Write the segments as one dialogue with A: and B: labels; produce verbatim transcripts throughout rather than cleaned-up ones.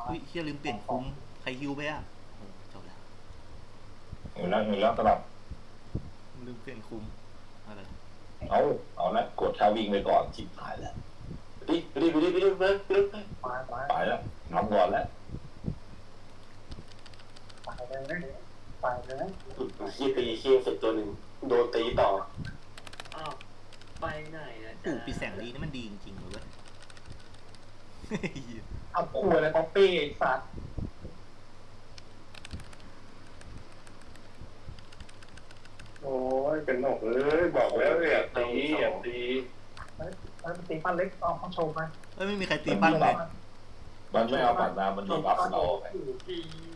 A: อุ้ยเฮียลืมเปลี่ยนคุ้มใครฮิวไปอ่ะโอ้จบแล้ว
B: เห็นแล้วเห็นแล้วสลับ
A: ลืมเปลี่ยนคุ้มอะไร
B: เอาเอาละกดท่าวิ่งไปก่อนจิบหายแล้วดิดิดิดิดิดิดิ
C: ไปไป
B: ไปแล้วนำก่อนแล้ว
C: ไปเลยไปเลย
B: ขี้ตีขี้เสร็จตัวหนึ่งโดนตีต่อ
D: อ้าวไปไหนนะ
A: ปู่
D: จ๊ะ
A: ปีแสงดีนี่มันดีจริงๆเลยเว้ย
C: เอาขวดเลยป๊อปปี้ไอ้สัตว์
E: โอ้ยเป็นหนกเลยบอกแล้วอย่าตีอย่าตี
C: แล้วตีปั้นเล็กเอาเขาโชว์ไป
A: เอ้ยไม่มีใครตีปั้นเลย
B: มันไม่เอาปัดน้ำมันดีบัฟเราไง
D: ที่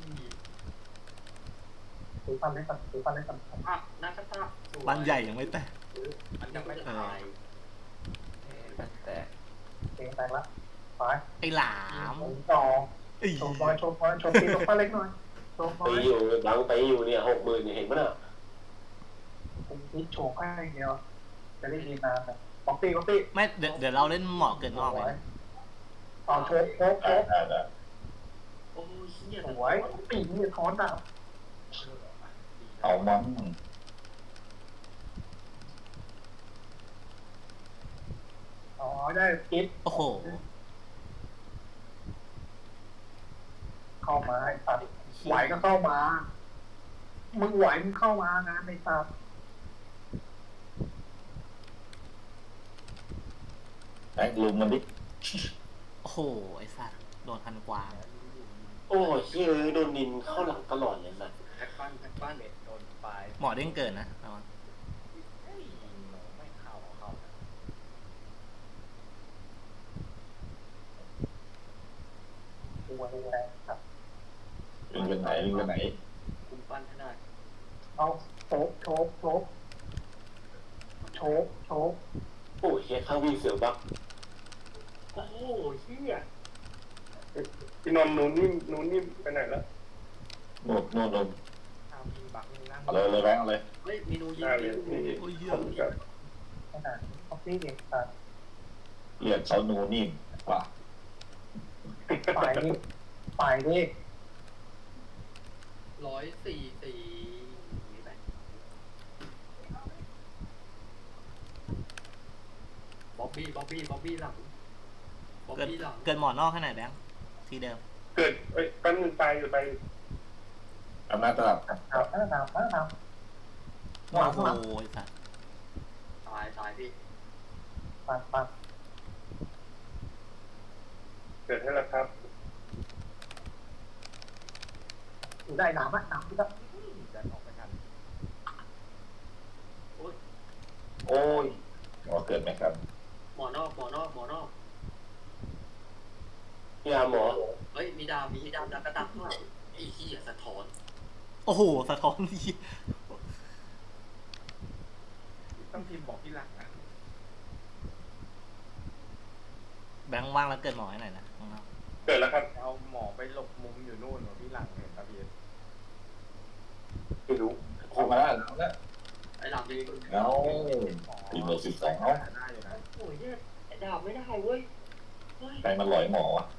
C: ตีปั้นเล็กก่อนตีปั้นเล็กก่อน
D: อ่ะนักตะ
A: บ้านใหญ่ยังไม่แตก
D: มันยังไม่ตายแต่
C: เตีแตกแล้วไป
A: ไอ้หลาม
C: ต่อ
A: ไอ้
C: โชว์บอยโชว์บอยโชว์ตีตรงปั้นเล็กหน่อยโชว์บอ
B: ตี
C: ย
B: อยู่บังตีอยู่เนี่ยหกหมื่นเห็นไหมน่ะ
C: ผมตีโชว์แค่เดียวจะได้ยินนานแต่ป๊อปปี้ป๊อปปี้
A: ไม่เดี๋ยวเดี๋ยวเราเล่นหมอกเกินนอกเลย
C: ต่อโชว์โชว์โช
B: ได้
C: ว์
B: ได้ได้
D: โอ้ยเฮีย
C: สวยปีนี่ท้อนดาว
B: เอามัน
C: อ๋อได้คิด
A: โอ้โห
C: เข้ามาไอ้สัตว์ไหวก็เข้ามามึงไหวมึงเข้ามานะไอ้สัตว์
B: แท็กลุมมันดิ
A: โอ้โหไอ้สัตว์โดนพันกวาง
B: โอ้ยเฮ้ยโดนนินเข้าหลังตลอดเลยสัส
D: แท็กบ้านแท็กบ้านเน็ตโดนปลาย
A: หมอเด้งเกินนะระวัง
D: เฮ้ยไม่เข้าเข้า
C: ตัวแรงครับ
B: ลิงไปไหนลิงไปไหน
D: คุมปั้นขนาด
C: เอาโชกโชกโชกโชกโชก
B: โอ้ยเฮียข้างวิ่งเสือบัก
D: โอ้โหเฮีย
E: พี่นนท์นูนนิ่มนูนนิ่มไปไหนแล้ว
B: โน่นโน่นโน่น
D: ทำมีบักนั่ง
B: เอาเลยเลยแบงค์เอาเลย
D: เฮ้ยเมนูยิง
E: ได้เลยนี่
A: โอ้ยเหี้ย
E: ผมกับ
C: ขนาดป๊อปปี้เองสัตว์
B: เรียกเขานูนิ่มกว่า
C: ฝ่ายนี้ฝ่ายนี้
D: ร้อยสี่สี่บ๊อบบี้บ๊อบบี้บ๊อบบี้หลังบ๊อบ
A: เกิน
D: บี้หลัง
A: เกินหมอนอกให้ไหนอยแบงค์ทีเดิม
E: เกิดเอ้ยปั้นมือตายอยู่ไป
B: อำนาจตลับ
C: เอาเอาเอาเอาเอา
A: โอ้โหไอ้สัตว์
D: ตายตายพี่
C: ปัดปัด
E: เกิดให้แล้วครับ
C: อยู่ได้หนามะหนามที่ก็
D: ดันออกไปทัน
B: โอ้ยหมอเกิดไหมครับ
D: หมอนอกหมอนอกหมอนอก
B: ยาหมอ
D: เฮ้ยมีดาวมีดาวดาวกระตักด้วยไอ้เหี้ยสะท้อน
A: โอ้โหสะท้อนดี
D: ต้องพิมพ์บอกพี่หลักนะ
A: แบงค์ว่างแล้วเกินหมอให้หน่อยนะข้างนอก
E: เกิดแล้วครับ
F: เอาหมอไปหลบมุมอยู่นู่นเหรอพี่หลังเห็นตะเบียน
B: ไม่รู้เข้ามาแล้วแล้ว
D: ไอ้หลังดี
B: เอาตีเบอร์สิบสองเอา
F: ได้อยู่นะ
D: โอ้ยเนี่ยดาวไม่ได้เว้ยเฮ้ย
B: ใครมันหลอยหมอวะ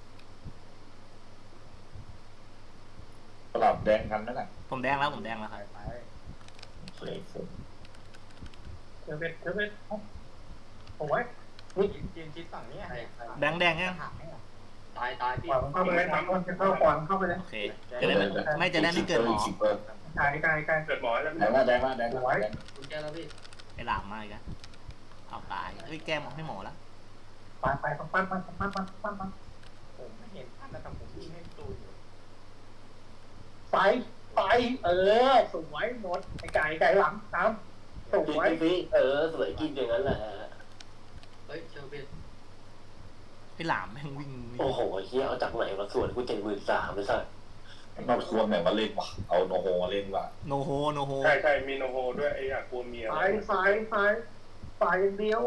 B: ตลับแดงกันนั่นแหละ
A: ผมแดงแล้วผมแดงแล้วค
F: ไป
A: รับ
F: ไป
B: เสียฝุ่น
C: เดี๋ยวเป็นเดี๋ยวเป็นโอ้ย
F: ยืนยืนชิดฝั่งนี้
D: ใครใคร
A: แบงค์แดงยัง
F: หักให้อ่ะ
D: ตายตายพี่
C: ขวางเข้าไปเลยมันจะเข้าขวางเข้าไปเลย
A: โอเคจะได้ไม่ไม่จะได้ไม่เกินหมอ
B: สิบเปอร์
C: ไกลไกลไกล
E: เกิดหมอแล้ว
B: แดงมาแดงมาแดงมาแดง
D: คุณแกแล้วพี่
A: ไอ้หลามมาอีกแล้วเอาตายเฮ้ยแก้หมอให้หมอแล้ว
C: ไปไปปั้นปั้นปั้นปั้นปั้นปั้นปั้น
F: ผมไม่เห็นท่านนะแต่ผมยิงให้ตูนอยู่
C: ไปไปเออสวยหมดไอ้ไก่ไก่หลังตามส
B: กิน
C: วย
B: สิเออสวยกินอย่างนั้นแหละ
D: เฮ้ยเชอร์เบน
A: ไอ้หลามแม่งวิ่ง
B: โอ้โหเฮียเอาจากไหนมาส่วนกูเจ็ดหมื่นสามไม่ใช่นอกส่วนไหนมาเล่นวะเอาโนโฮมาเล่นว่ะ
A: โนโฮโนโฮ
E: ใช่ใช่มีโนโฮด้วยไอ้อยากกลัวเมีย
C: สายสายสายสายอย่างเดียว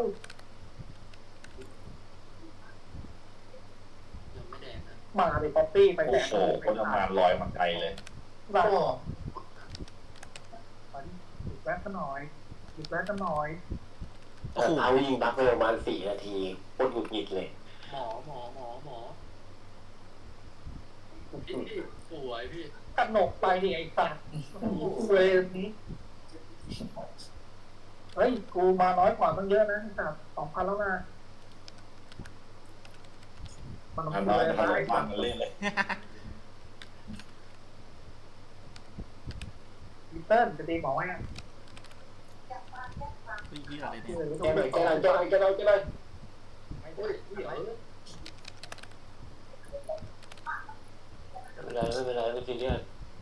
D: ยังไม่แดงนะ
C: มาดิป๊อปปี้ไป
B: โอ้
C: แดก
B: โหคนทำงานลอยมาไกลเลย
C: บ้าหยุดแวะกันหน่อยหยุดแวะกันหน่อย
A: โอ้โห
B: เอายิงบักไปประมาณสี่นาทีโคตรหงุดหงิดเลย
D: หมอหมอหมอหมอพี่พี่สวยพี่
C: กระหนกไปดิไอ้สัตว์เวรนี้เฮ้ยกูมาน้อยกว่าตั้งเยอะนะไอ้สัตว์สองพันแล้วนะมัน
B: ทำ
C: เล
B: น้อย
C: ย
B: ทำ
C: ไอ้
B: มั
C: สั
B: น
C: ตว์
B: เล่นเลย
C: ลิเติ้ลจะตีหมอไว้อะ
A: เฮ้ยเหี้ยอะไรเนี่ย
B: แกหน่อยแกหน่อยแกหน่อยแกหน่อยแกหน่อย
F: ไม่ได้พี่เอ๋
B: ไม่เป็นไรไม่เป็นไรไม่ซีเรียส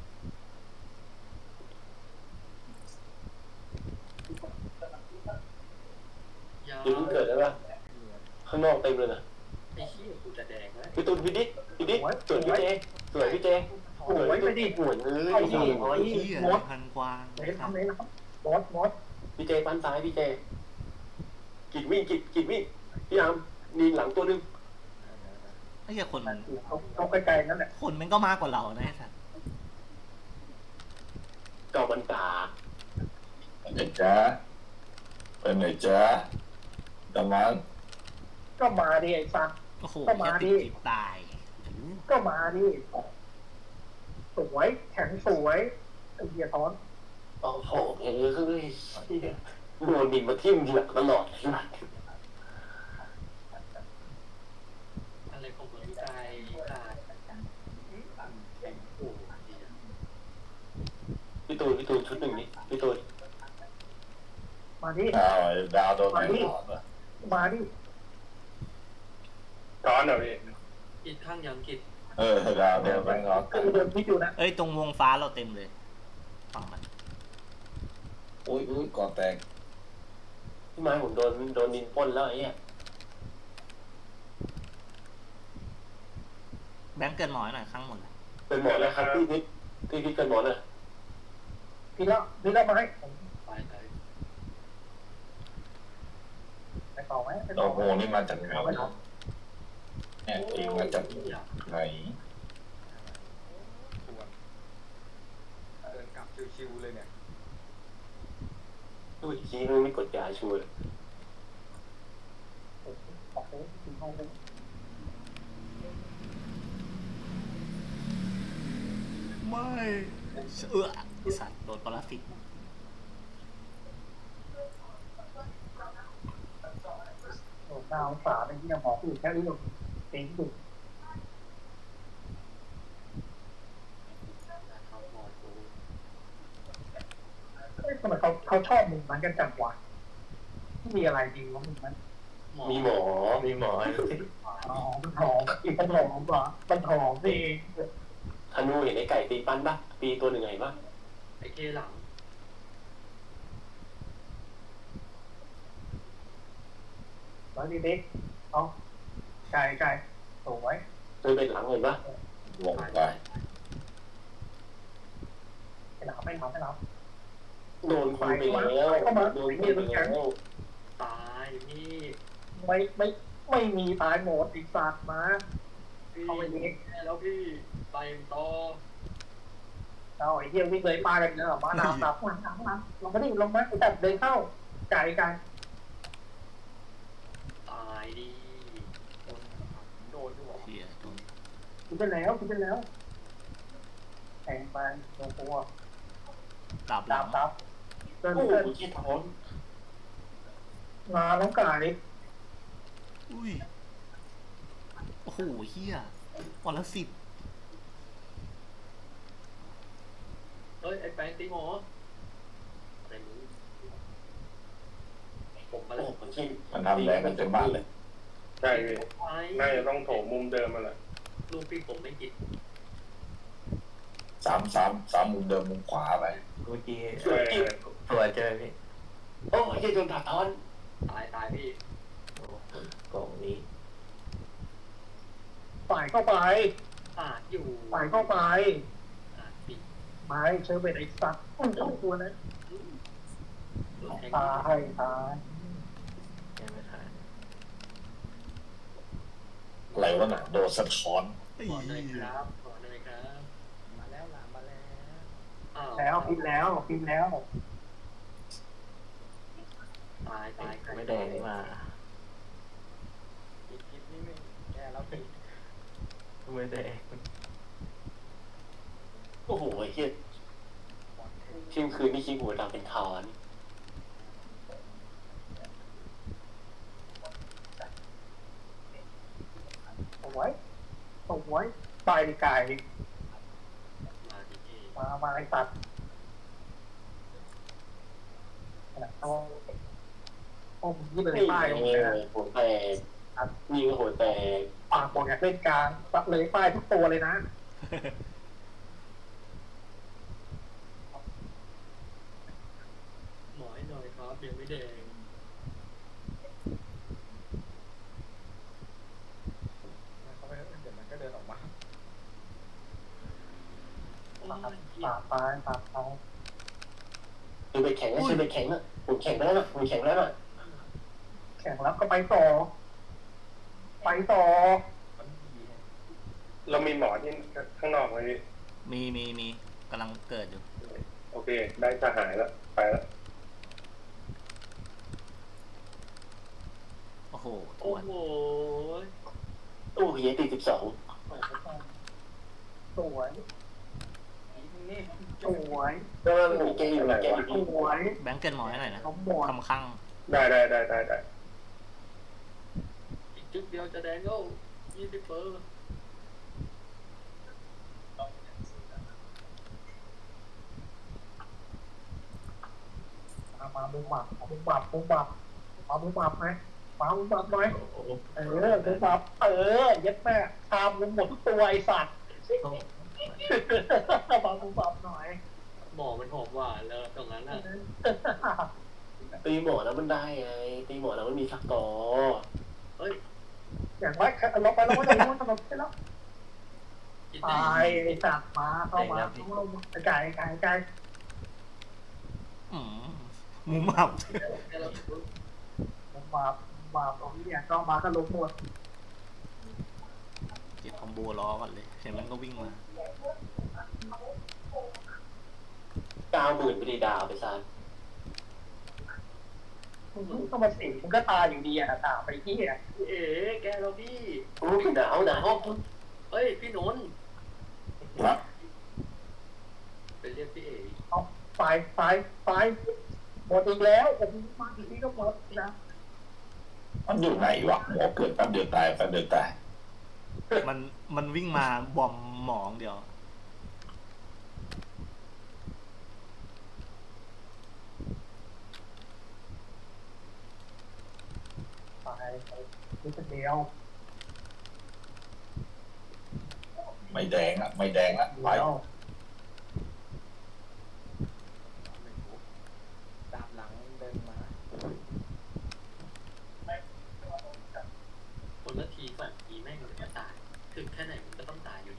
D: ยา
B: เดี๋ยวเพิ่งเกิดได้ปะข้างนอกเต็มเลยนะ
D: ไอ้เหี้ยกูจะแดงแล้ว
B: พี่ตูนพี่ดิ๊กพี่ดิ๊กสวยพี่เจสวยพี่เจ
C: โอ้ยไปดิ
B: สวยเอ้ย
C: ไอ้
B: ส
C: เหี้
B: วย ย
A: เหี้ยพันกวาง
C: ไหนทำไหนทำมดมด
B: พี่เจปั้นซ้ายพี่เจกิดวิ่งกิดกิดวิ่งพี่อามนีหลังตัวนึง
A: ไอ้เหี้ยคน
C: เขาเขาไกลๆนั่นแหละ
A: คนมันก็มากกว่าเรานะไอ้สัส
B: เก่าบรรดา
G: เป็นไงจ๊ะเป็นไงจ๊ะตะมัน
C: ก็มาดิไอ้สัตว์
A: โอ้โห
C: ก็มาดิ
A: แค่ติดจิตตาย
C: ก็มาดิสวยแข็งสวยไอ้เหี้ยท้อน
B: โอ้โหเฮ้ยโดนดินมาทิ่มหลังตลอด
D: อะไรของมึงใจขาดโอ้เหี้ย
B: พี่ตูนพี่ตูนชุดหนึ่งนี่พี่ตูน
C: มาดิ
G: อ้าวไอ้ดาวโดนไม่หลอดอ่ะ
C: มาดิ
E: ร้อนเหรอพี่
D: กิดข้างยังกิด
G: เออดาวโดนไม่หลอด
C: คือเดินพิจอยู่นะ
A: เอ้ยตรงวงฟ้าเราเต็มเลยฝั่งมัน
G: อุ้ยอุ้ยก่อนแตก
B: พี่ไม้ผมโดนโดนดินปล้นแล้วไอ้เนี่ย
A: แบงค์เกินหมอยหน่อยข้างหมดเลย
B: เป็นหมอแล้วครับพี่นิดพี่พิษเป็นหมอน่ะ
C: พี่ละพี่ละมาให้
D: ไปไป
C: ไปต่อไหมไป
G: โอ้
C: ต่อ
G: โห
C: ไหม
G: นี่มาจากไหน
C: เอาไว้เนาะ
G: เนี่ยเองมาจากไหน
F: ชวนเดินกลับชิวๆเลยเนี่ย
B: ดูอีกทีมันไม่กดยาช่วย
C: ออกไปถึงห้องเลย
A: ไม่เออไอ้สัตว์โดนปรสิต
C: โอ้ดาวสาเป็นที่ยังหมอผู้แค่นี้หรอกเต็งดุ
D: เขาหมดกู
C: เอ้ยทำไมเขาเขาชอบมึงมันกันจังวะมีอะไรดีวะมึงมัน
D: หมอ
B: มีหมอมีหมอ
C: อ๋อมันหอมอีกมันหอมเหรอมันหอมเอง
B: ธนูเห็นไอ้ไก่ตีปั้นปะตีตัวหนึ่งไงปะ
D: ไอ้เคหลัง
C: แล้วนี่เด็กเอาไก่ไก่สวย
B: เคยเป็นหลังเห็นปะ
G: ลงไป
C: ไม่หลับไม่หลับไม่หลับ
B: โดนคุยไปแล้วโดนคุยไปแล้ว
D: ตายนี่
C: ไม่ไม่ไม่มีตายหมดอีกสัตว์มา
D: พี่
C: เอาไปเด็ก
D: แล้วพี่ไปต่อ
C: เอาไอ้เหี้ยวิ่งเลยปลากันเนอะมาหนาวหนาวหนาวหนาวหนาวลงมาดิลงมาไอ้แต่เดินเข้าไก่ไก่
D: ตายดิ
F: โดนด้วย
A: เหี้ยโดน
C: คิดไปแล้วคิดไปแล้วแทงไปลงตัว
A: ดาบหลั
C: ดาง บดับเดิน
B: โอ้โห
C: เดิน
B: ขี้ท้อน
C: งาน้องไก่
A: อุ้ยโอ้โหเหี้ยวันละสิบ
D: เฮ้ยไอ้แปงตีหมออะไรมึงผมมา
B: โอ้
D: แล้ว
B: โหขี้
G: มันทำแรงกันเต็มบ้านเลย
E: ใช่พี่
D: ไป
E: น่าจะต้องโถมมุมเดิมมาแหละ
D: ลูกพี่ผมไม่กิด
G: สามสามสามมุมเดิมมุมขวาไป
B: เมื่อกี้
E: ใช่
B: ตัวเจอพี่โอ้ยโดนตัดท้อน
D: ตายตายพี่
B: กล่องนี้
C: ฝ่ายเข้าไป
D: ปาดอยู่
C: ฝ่ายเข้าไป
D: ปาดปิด
C: ไม้เชอร์เบตไอ้สัตว์มันเข้าตัวนะ
D: โดนแทง
C: ตายตาย
B: ยังไม่ทัน
G: อะไรวะน่ะโดนสะท้อน
A: ไอ้
D: ขอหน่อย
A: เหี้
D: ค
A: ย
D: รับขอหน่อยครับ
F: มาแล้วหลานมาแล้ว
D: อ้าว
C: แล้วพิมพ์แล้วพิมพ์แล้ว
D: ตายตาย
B: ไม่แดงมา
F: กิดกิดนี่ไม่แกแล้วพี่
B: ไม่แดงโอ้โหไอ้เหี้ยเที่ยงคืนนี่คิดหัวดำเป็นคาน
C: เอาไว้เอาไว้ไปไกล
D: มาดิเอ
C: มามาไอ้ตัดเอาเอายี่เลย
B: นี่
C: ป้าย
B: ไง
C: ตรงนี้นะ
B: หัวแตกยิงหัวแตก
C: ปากบอกอยากเล่นกลางตัดเลยป้ายทุกตัวเลยนะ
D: หมอให้หน่อยครับยังไม่แดง
F: เขาไปเดี๋ยวมันก็เดินออกมา
D: โอ้ยเหี้ย
C: ปากไปปากไป
B: คือไปแข่งนะคือไปแข่งนะผมแข่งไปแล้วนะผมแข่งแล้วนะ
C: แข่งแล้วก็ไปต่อ ไปต่อ
F: มันดีฮะ
E: เรามีหมอที่ข้างนอกไหมพี่
A: มีมีมีกำลังเกิดอยู่
E: โอเค ได้สหายแล้ว ไปแล้ว
A: โอ้โหท
D: โอ้
A: วน
D: โห
B: ตู้เฮียตีสิบสอง
C: สวย
F: นี่
C: สวย
B: แล้วมันมีเกมอยู่มีเกมอยู่
C: สวย
A: แบงค์เกินหมอให้หน่อยนะ
C: น้องหมด
A: ทำข้าง
E: ได้ได้ได้ได้ได้
D: อีกจุดเดียวจะแดงก็ยี่สิบเปอร์
C: มามาบุ้มบับบุ้มบับบุ้มบับมาบุ้มบับไหมมาบุ้มบับหน่อยเออบุ้มบับเออเย็ดแม่ตามบุ้มหมดทุกตัวไอสัตว์มาบุ้มบับหน่อย
D: หมอมันหอมหวานแล้วตรงนั้นน่ะ
B: ตีหมอแล้วมันได้ไงตีหมอแล้วมันมีสักต่อ
D: เฮ้ย
C: อย่างไรลงไปลงไปลงไปลงไปแล้ว
D: กิน
C: ตา
D: ได้
C: ยไอสัตว์มาเข้ามาเข้ามาไก่ไก่ไก่
A: อืมหมุมอับ
D: แค่เรา
C: บุ้มบับบับตรงนี้เนี่ยก็มาก็ลงหมด
A: เก็บคอมโบล้อก่อนเลยเห็นมันก็วิ่งมา
B: เก้าหมื่นไปดีดาวไปซะ
C: ก็มาสิมันก็ตายอยู่ดีอ่ะตาไปที่อ่ะ
D: เอ๋แกเราพี่
B: โอ้ยหนาวหนาว
D: เฮ้ยพี่นนท์
G: ครับ
D: ไปเรียกพี่เอ๋
C: เอาไฟไฟไฟหมดอีกแล้วผมมาทีนี้ก็หมดนะ
G: มันอยู่ไหนวะหมอเกิดแป๊บเดียวตายแป๊บเดียวตาย
A: มันมันวิ่งมาบอมหมองเดียว
C: ไปไปนี่เป็นเดียว
G: ไม่แดงอ่ะไม่แดงละไป
C: เดียว
F: ตามหลังเดินมา
D: คนละทีสองทีแม่งเลยก็ตาย ถึงแค่ไหนมันก็ต้องตายอยู่ดี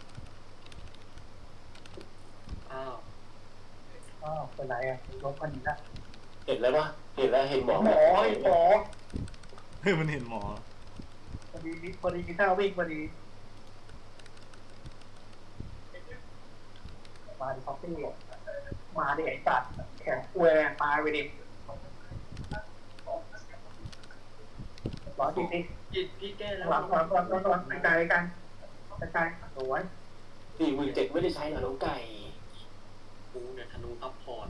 D: อ้าว
C: อ้าวเป็นไรอ่ะลบกันอีกแล้ว
B: เห็นแล้วปะเห็นแล้วเห็นหมอ
C: หมอไอ้หมอ
A: เฮ้ยมันเห็นหมอ
C: พอดีพอดีกินข้าววิ่งพอดีมาดิคอฟฟี่มาดิไอ้สัตว์แข็งแหวงมาไปดิร้อยจริงดิ
D: จิตพี่แก้แล้ว
C: หลังหลังหลังหลังหลังไกลๆกันไกลๆสวย
B: สี่หมื่นเจ็ดไม่ได้ใช้เหรอน้องไก่
D: กูเนี่ยธนูซัพพอร์ต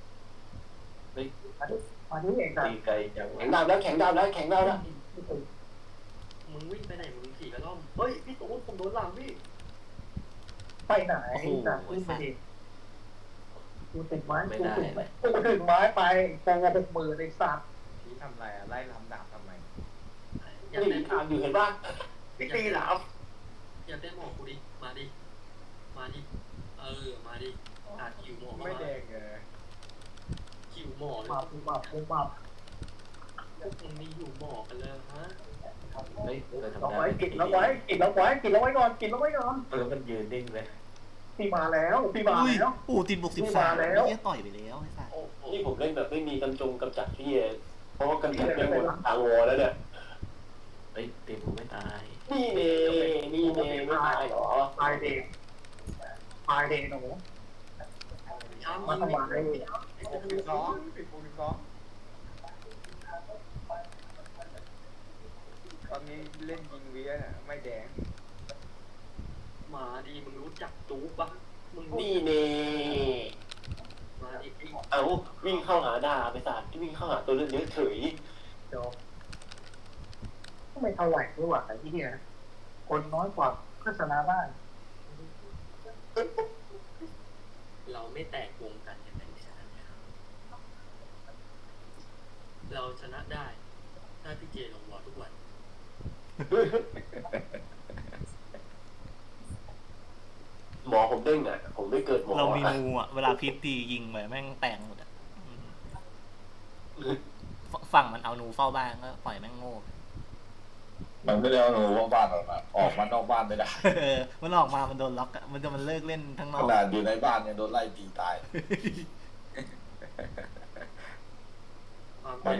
C: มาดิเองนะ
B: ตีไก่แข็งดาวแล้วแข็งดาวแล้วแข็งดาวแล้ว
D: มึงวิ่งไปไหนมึงขี่กระล่อมเฮ้ยพี่ตูนผมโดนหลังพี่
C: ไปไหนนะขึ้นไปดิกูติดไม้กูติดไม้กูถึงไม้ไปโปรหกหมื่นไอ้สัตว์
F: พี่ทำไรอะไล่ลำดาบทำไม
D: อย่า
B: นี่
D: เต้น
B: ทางอยู่เห็นปะพี่ตีหลาม
D: อย่าเต้นหมอกูดิ มาดิ มาดิ เออ มาดิอาคิวหมอ
F: ไม่แดงเลย
D: คิวหมอเลย
C: มาปูมาปูมา
D: พวกมึงมีอยู่หมอกันเลยฮะ
B: เฮ้ยเราทำ
C: เรา
B: ได้
C: ไว้กินแล้วไว้กินแล้วไว้กินแล้วไว้ก่อนกินแล้วไว้ก่อน
B: แล้วมันยืนนิ่งเลย
C: พี่มาแล้วพี่มา
A: อุ้ย
C: แล้ว
A: โอ้ติดบวกสิบ
C: นี่
A: สาม
C: มาแล้ว
A: เฮียต่อยไปแล้วไอ้สัส
D: โอ้โห
B: นี่ผมเล่นแบบไม่มีกำจงกำจัดพี่เอเพราะว่ากำจัดไม่หมดทางวอแล้วเนี่ย
H: เฮ้ยเต็มผมไม่ตาย
B: นี่เน่นี่เน่ไม่ตายเหรอ
C: ตายเด็กตายเด็กหนู
D: ช้ำ
C: มาทำไม
F: หกสิบสองสิบหกสิบสองตอนนี้เล่นยิงเวียน่ะไม่แดง
D: มาดีมึงรู้จักจู๊ปะมึง
B: นี่เน่
D: มาดิไอ้
B: เอาวิ่งเข้าหาดาไปสัตว์ที่วิ่งเข้าหาตัวเลือดเยอะเฉย
C: เดี๋ยวก็ไม่เท่าไหร่ด้วยว่ะไอ้ที่เนี่ยคนน้อยกว่าก็ชนะได้
D: เราไม่แตกวงกันอย่างนั้นชนะนะครับเราชนะได้ถ้าพี่เจลงวอลทุกวัน
B: หมอผมเด้งอ่ะผมไม่เกิดหมอ
A: เรามีงูอ่ะเวลาพิษตียิงไปแม่งแตกหมดอ่ะอืมฝั่งมันเอาหนูเฝ้าบ้านก็ปล่อยแม่งโง่
G: มันไม่ได้เอาหนูว่าบ้านออกมาออกมานอกบ้านไม่ได้
A: เออมันออกมามันโดนล็อกอะมันจะมันเลิกเล่นทั้งน
G: ข
A: อก
G: นาดอยู่ในบ้านเนี่ยโดนไล่ตีตาย
D: ความ
G: มัน